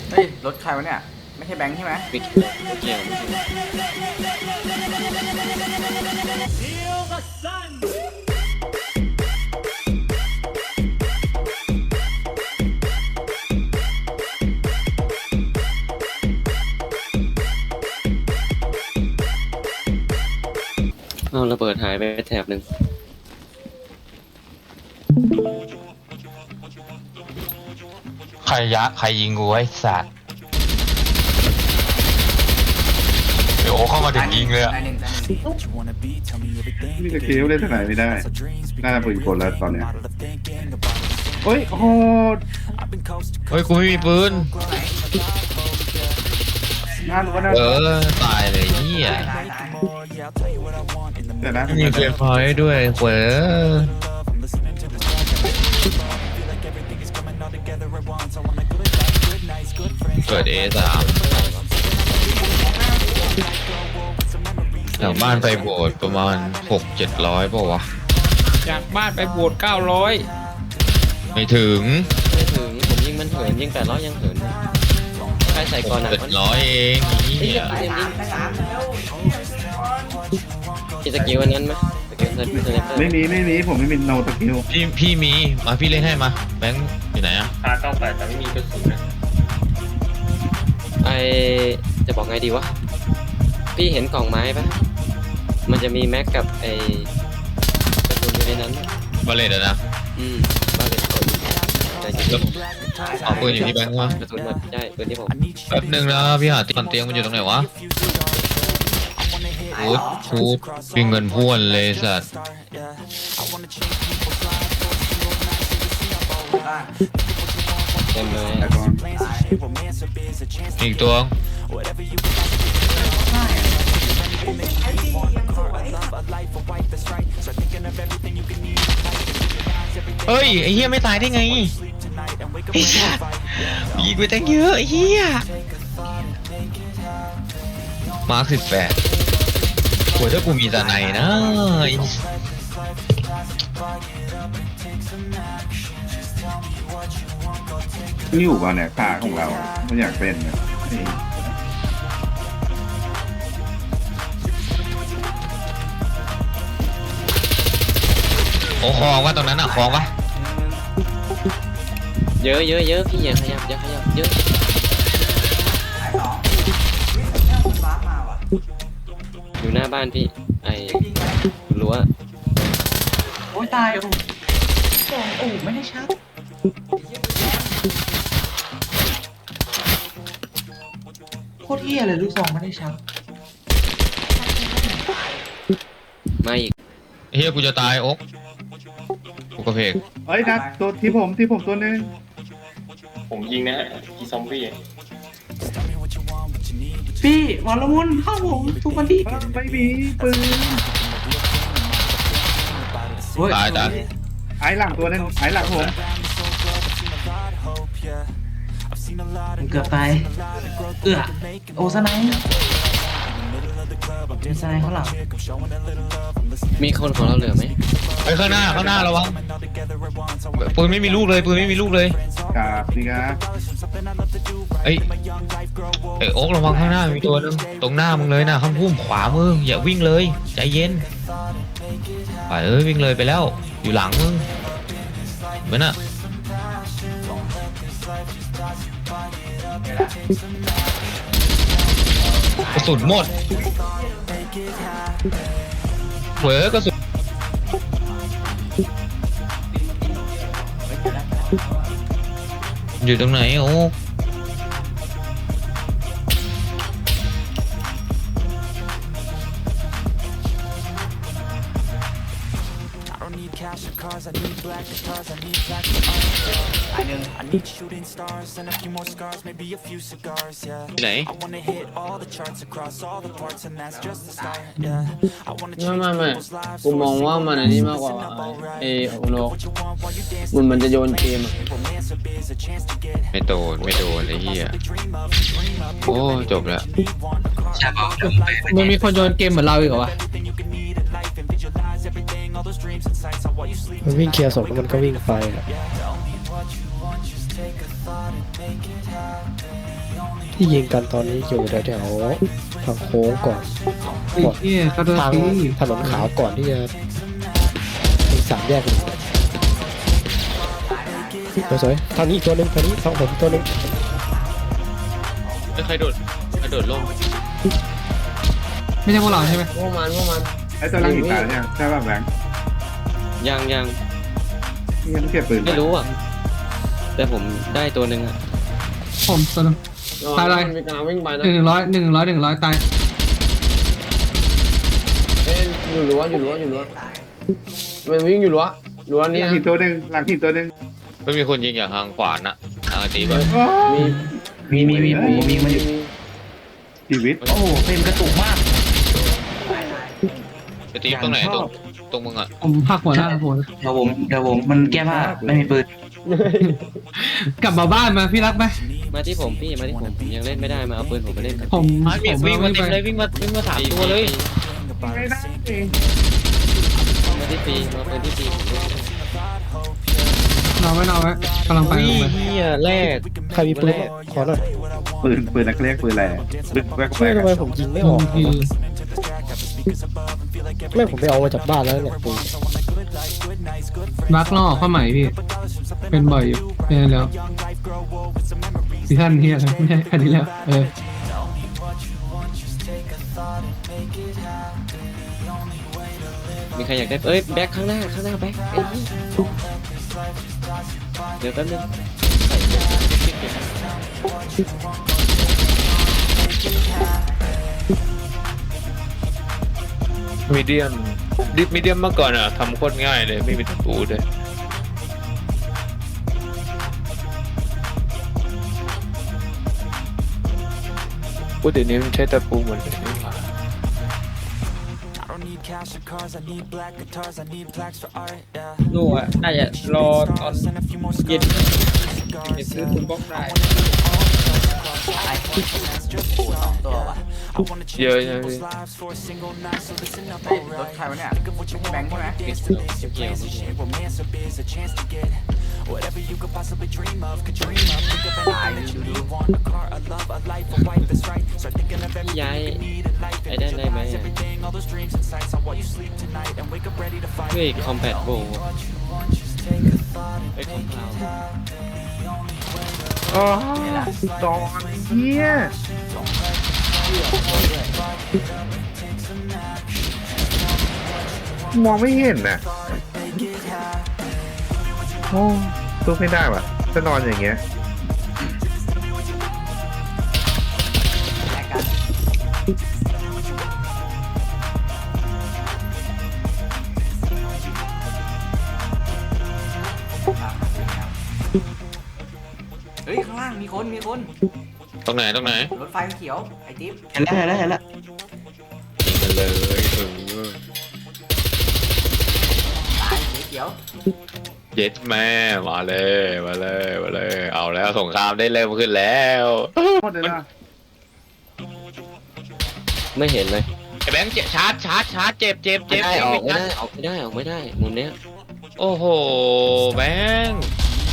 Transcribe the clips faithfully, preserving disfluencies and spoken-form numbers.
เฮ้ยรถใครวะเนี่ยไม่ใช่แบงค์ใช่ไหมไม่เกี่ยวไม่เกี่ยวไม่เกี่ยวเอาระเบิดหายไปแถบหนึ่งใครยะใครยิงกูไอ้สัตว์เดี๋ยวโอ้เข้ามาถึงยิงเลยอะตายหนึ่งตายหนึ่งนี่จะคิ้วเล่นที่ไหนไม่ได้น่าจะปืนกลแล้วตอนเนี้ยเฮ้ยโอ้โหเฮ้ยกูไม่มีปืนงานก็น่าเออตายเลยเฮียตายตายแต่นะมีเกมพอยต์ด้วยเว้ยเกิด เอ สาม จากบ้านไปโบสถ์ประมาณหกเจ็ดร้อยป่าวะจากบ้านไปโบสถ์เก้าร้อยไม่ถึงไม่ถึงผมยิงมันเหินยิงแปดร้อยยังเหินเลยใครใส่ก่อนหนักเจ็ดมันร้อยเองเฮียเต็มยิงได้สามแล้วมีสกิลอันนั้นไหมสกิลเซนเซนเตอร์ไม่มีไม่มีผมไม่มีโนตะคิวพี่พี่มีมาพี่เล่นให้มาแบงค์อยู่ไหนอะอาเก้าแปดแต่ไม่มีกระสุนนะไอจะบอกไงดีวะพี่เห็นกล่องไม้ปะมันจะมีแม็กกับไอกระสุนอยู่ในนั้นบาเลตอะนะอืมบ้าเลยกดใจจริงแล้วเอาปืนอยู่ที่แบงค์วะกระสุนหมดใช่ปืนที่ผมแป๊บหนึงนะพี่หาตีนเตียงมันอยู่ตรงไหนวะพูดพูดมีเงินพ่วนเลยสัตว์บ้านเต็มเลยแต่ก่อนอีกตัวเฮ้ยไอ้เหี้ยไม่ตายได้ไงไอ้สัตว์ยิงไปตั้งเยอะไอ้เหี้ยมาร์คสิบแปดโหถ้ากูมีตาไหนนะไอ้นี่อยู่ป่ะเนี่ยขาของเราไม่อยากเป็นเนี่ยเฮ้ยโอ้คลองวะตรงนั้นอะคลองวะเยอะเยอะเยอะพี่อย่าขยับอย่าขยับเยอะตายสองเนี่ยคุณบ้ามาว่ะอยู่หน้าบ้านพี่ไอ้ยิงไปรั้วโอ้ยตายโอ้สองโอ้ไม่ได้ชักโคตรเฮี้ยเลยลูกซองไม่ได้ชักมาอีกไอ้เหี้ยกูจะตายโอ๊กกูกระเพกเอ้ยนัดตัวที่ผมที่ผมตัวนึงผมยิงนะฮะอีซอมบี้พี่หมอละมุนเข้าผมทุกวันที่ไม่มีปืนตายตายไอ้หลังตัวนึงไอ้หลังผมเกือบตายเอื้อโอ้สไนป์มีสไนป์เขาหลังมีคนของเราเหลือไหมไปข้างหน้าข้างหน้าระวังปืนไม่มีลูกเลยปืนไม่มีลูกเลยกราบสิครับเอ้ยเอ้ยโอ๊กระวังข้างหน้ามีตัวนึงตรงหน้ามึงเลยนะข้างพุ่มขวามึงอย่าวิ่งเลยใจเย็นไปเอ้ยวิ่งเลยไปแล้วอยู่หลังมึงเหมือนน่ะกระสุนหมดเว้ยกระสุนอยู่ตรงไหนโอ้ตายหนึ่งที่ไหนไม่ไม่ไม่กูมองว่ามันอันนี้มากกว่าไอ้โอโนมันมันจะโยนเกมอะไม่โดนไม่โดนไอ้เหี้ยโอ้จบแล้วมันมีคนโยนเกมเหมือนเราอีกเหรอวะมันวิ่งเคลียร์ศพแล้วมันก็วิ่งไปอะที่ยิงกันตอนนี้อยู่แถวๆทางโค้งก่อนไอ้เหี้ยกระโดดทางตีถนนขาวก่อนที่จะถึงสามแยกเลยสวยๆทางนี้อีกตัวหนึ่งทางนี้ทางผมอีกตัวหนึ่งไม่ใครโดดใครโดดลงไม่ใช่พวกเราใช่ไหมพวกมันพวกมันไอ้ตัวล่างหินตายแล้วเนี่ยใช่ป่ะแบงค์ยังยังนี่ยังเก็บปืนไม่รู้อ่ะ แต่ผมได้ตัวหนึ่งอ่ะผมตัวนึง ตายเลยมันมีการวิ่งไปนะหนึ่งร้อยหนึ่งร้อยหนึ่งร้อยตายเอ้ยอยู่รั้วอยู่รั้วอยู่รั้วมันวิ่งอยู่รั้วรั้วหนี่ลังนะหินตัวหนึ่งหลังหินตัวหนึ่งไม่มีคนยิงอย่างทางขวาน่ะทางตีแบบมีมีมีมีผมมีมาอยู่ชีวิตโอ้เป็นกระตุกมากจะตีตรงไหนตรงตรงมึงอ่ะผมหักหัวหน้าผมเดี๋ยวผมเดี๋ยวผมมันแก้ผ้าไม่มีปืนกลับมาบ้านมาพี่รักไหมมาที่ผมพี่มาที่ผมผมยังเล่นไม่ได้มาเอาปืนผมมาเล่นผมไอ้ผวิ่งมวิ่งมาไม่เต็มไปเลยวิ่งมาวิ่งมาสามตัวเลยไม่ได้มาที่ปีมาปืนที่ปีผมเล่นไม่ได้นอนไว้นอนไว้กำลังไปอุ้ยกำลังไปเฮียแรกใครมีปืนบ้างขอหน่อยปืนปืนนักเรียกปืนอะไรลึกแวกแวเชื่อก ทำไมอะผมยิงไม่ออกคือไม่ผมไปเอามาจากบ้านแล้วเนี่ยปืนรักล่อเข้าใหม่พี่ เป็นบ่อยอยู่เป็นแล้วซีซั่นเฮียอะไรไม่ใช่อันนี้แล้วเออมีใครอยากได้เอ้ยแบ็คข้างหน้าข้างหน้าแบ็คไอ้นี่เดี๋ยวแป๊บนึงใส่เดี๋ยวเดี๋ยวมีเดียมดิฟมีเดียมเมื่อก่อนอ่ะทำโคตรง่ายเลยไม่มีตะปูด้วยพูดเดี๋ยวนี้มันใช้ตะปูหมดเลยนี่หว่าลูกอ่ะน่าจะรอตอนเย็นจะซื้อคุณบล็อกได้ตัววะเยอะนะพี่รถใครวะเนี่ยแบงค์ใช่ไหมเกี่ยวเกี่ยวไม่เกี่ยวตายดูดูพี่ย้ายไอ้ได้ได้ไหมอะเฮ้ยคอมแพตโบไอ้คอมพาวอ๋อตอนเฮียมองไม่เห็นน่ะโอ้ตู้ไม่ได้ว่ะจะนอนอย่างเงี้ยแลกกันเฮ้ยข้างล่างมีคนมีคนตรงไหนตรงไหนรถไฟเขียวไอ้จิ๊บเห็นแล้วเห็นแล้วเห็นแล้วยิงกันเลยเออตายสีเขียวเย็ดแม่มาเลยมาเลยมาเลย เอาแล้วสงครามได้เริ่มขึ้นแล้วโคตรเลยนะไม่เห็นเลยไอ้แบงค์เจ็บชาร์จชาร์จชาร์จเจ็บเจ็บไม่เจ็บได้เจ็บออกไม่ชาได้ร์จออกไม่ได้ออกไม่ได้มุมเนี้ยโอ้โหแบงค์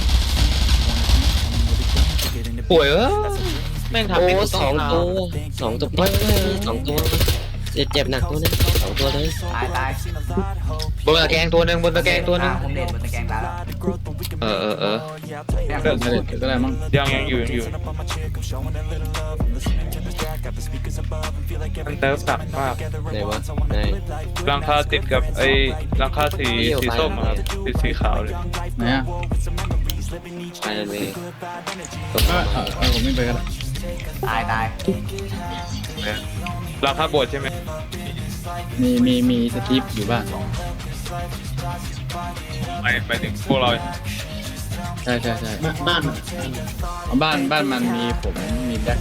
ป่วยเออแม่งทำโอ้เป็นสองตัวสองตัวไม่ไม่สองตัวเจ็บเจ็บหนักตัวนึงสองตัวเลยตายตายบนตะแกรงตัวหนึ่งบนตะแกรงตัวหนึ่งผมเด็ดบนตะแกรงตายแล้วเออเออเออแม่งก็ได้ก็ได้มั้งยังยังอยู่ยังอยู่มันเติมสักมากไหนวะไหนรังคาติดกับไอ้รังคาสีสีส้มอะครับสีสีขาวเลยไหนอ่ะไปเลยเออเออผมไม่ไปกันละตายตายรังคาบดใช่ไหมมีมีมีสคริปต์อยู่บ้างไปไปถึงพวกเราใช่ใช่ใช่บ้านบ้านบ้านมันมีผมมีแบ็ค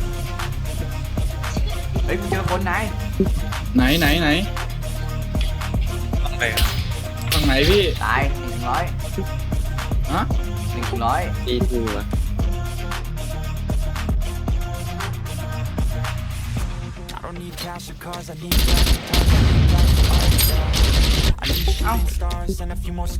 เฮ้ยกูเจอคนไหนไหนไหนไหนต้องไปทางไหนพี่ตายหนึ่งร้อยฮะหนึ่งร้อยดีทูวะเอ้า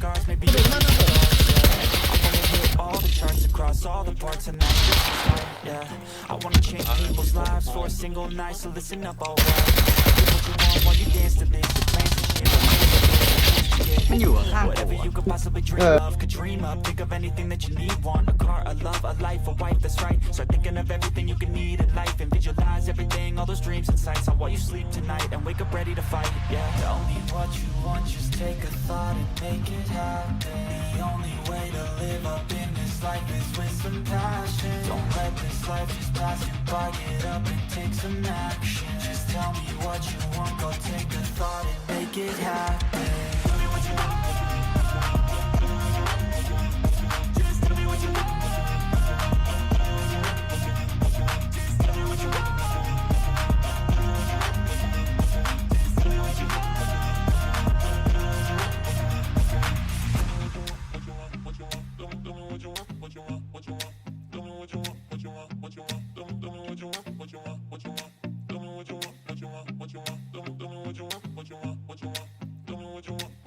เ yeah. I wanna change people's lives for a single night, so listen up, alright. Do what you want while you dance to this. The plans to shit, มันอยู่ข้างๆ whatever you could possibly dream Uh. of, could dream up. Think of anything that you need, want a car, a love, a life, a wife, that's right. Start thinking of everything you can need in life and visualize everything, all those dreams and sights on while you sleep tonight and wake up ready to fight. Yeah. Tell me what you want, just take a thought and make it happen. The only way to live up in this life is with some passion. Don't let this life just pass you by. Get up and take some action. Just tell me what you want, go take a thought and make it happen. Tell me what you want. Just tell me what you want. Just tell me what you want. Just tell me what you want. What you want?